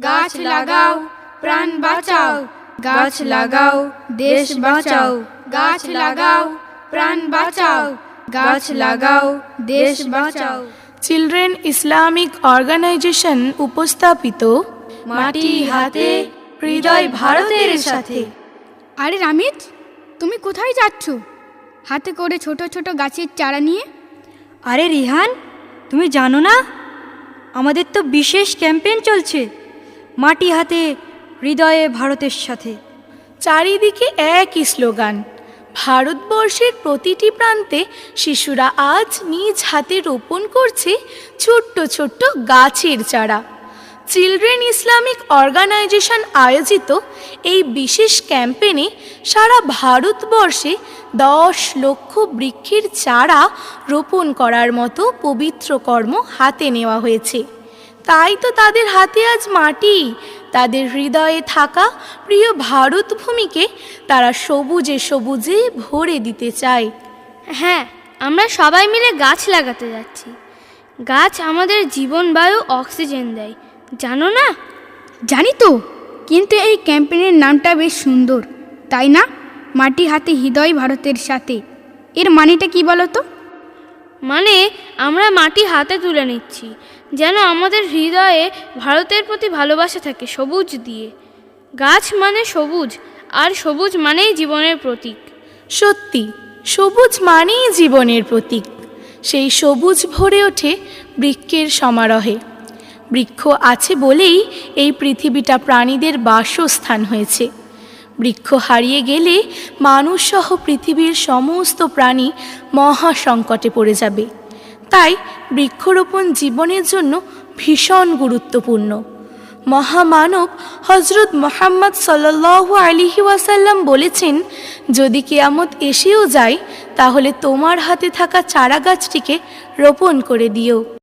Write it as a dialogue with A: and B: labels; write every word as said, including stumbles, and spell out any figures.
A: গাছ লাগাও প্রাণ বাঁচাও, গাছ লাগাও দেশ বাঁচাও, গাছ লাগাও প্রাণ বাঁচাও, গাছ লাগাও দেশ বাঁচাও।
B: চিলড্রেন ইসলামিক অর্গানাইজেশন উপস্থাপিত
A: মাটি হাতে হৃদয় ভারতের সাথে।
C: আরে রামিত, তুমি কোথায় যাচ্ছ হাতে করে ছোট ছোট গাছের চারা নিয়ে?
D: আরে রিহান, তুমি জানো না আমাদের তো বিশেষ ক্যাম্পেইন চলছে, মাটি হাতে হৃদয়ে ভারতের সাথে।
B: চারিদিকে একই স্লোগান, ভারতবর্ষের প্রতিটি প্রান্তে শিশুরা আজ নিজ হাতে রোপণ করছে ছোট্ট ছোট্ট গাছের চারা। চিলড্রেন ইসলামিক অর্গানাইজেশন আয়োজিত এই বিশেষ ক্যাম্পেইনে সারা ভারতবর্ষে দশ লক্ষ বৃক্ষের চারা রোপণ করার মতো পবিত্র কর্ম হাতে নেওয়া হয়েছে। তাই তো তাদের হাতে আজ মাটি, তাদের হৃদয়ে থাকা প্রিয় ভারত ভূমিকে তারা সবুজে সবুজে ভরে দিতে চায়।
E: হ্যাঁ, আমরা সবাই মিলে গাছ লাগাতে যাচ্ছি। গাছ আমাদের জীবন বায়ু অক্সিজেন দেয়, জানো না?
C: জানি তো, কিন্তু এই ক্যাম্পেইনের নামটা বেশ সুন্দর, তাই না? মাটি হাতে হৃদয় ভারতের সাথে, এর মানেটা কি বলো তো?
E: মানে আমরা মাটি হাতে তুলে নিচ্ছি, যেন আমাদের হৃদয়ে ভারতের প্রতি ভালোবাসা থাকে সবুজ দিয়ে। গাছ মানে সবুজ, আর সবুজ মানেই জীবনের প্রতীক।
B: সত্যি, সবুজ মানেই জীবনের প্রতীক। সেই সবুজ ভরে ওঠে বৃক্ষের সমারোহে। বৃক্ষ আছে বলেই এই পৃথিবীটা প্রাণীদের বাসস্থান হয়েছে। বৃক্ষ হারিয়ে গেলে মানুষসহ পৃথিবীর সমস্ত প্রাণী মহা সংকটে পড়ে যাবে। তাই বৃক্ষরোপণ জীবনের জন্য ভীষণ গুরুত্বপূর্ণ। মহামানব হজরত মুহাম্মদ সাল্লাল্লাহু আলাইহি ওয়াসাল্লাম বলেছেন, যদি কিয়ামত এসেও যায় তাহলে তোমার হাতে থাকা চারা গাছটিকে রোপণ করে দিও।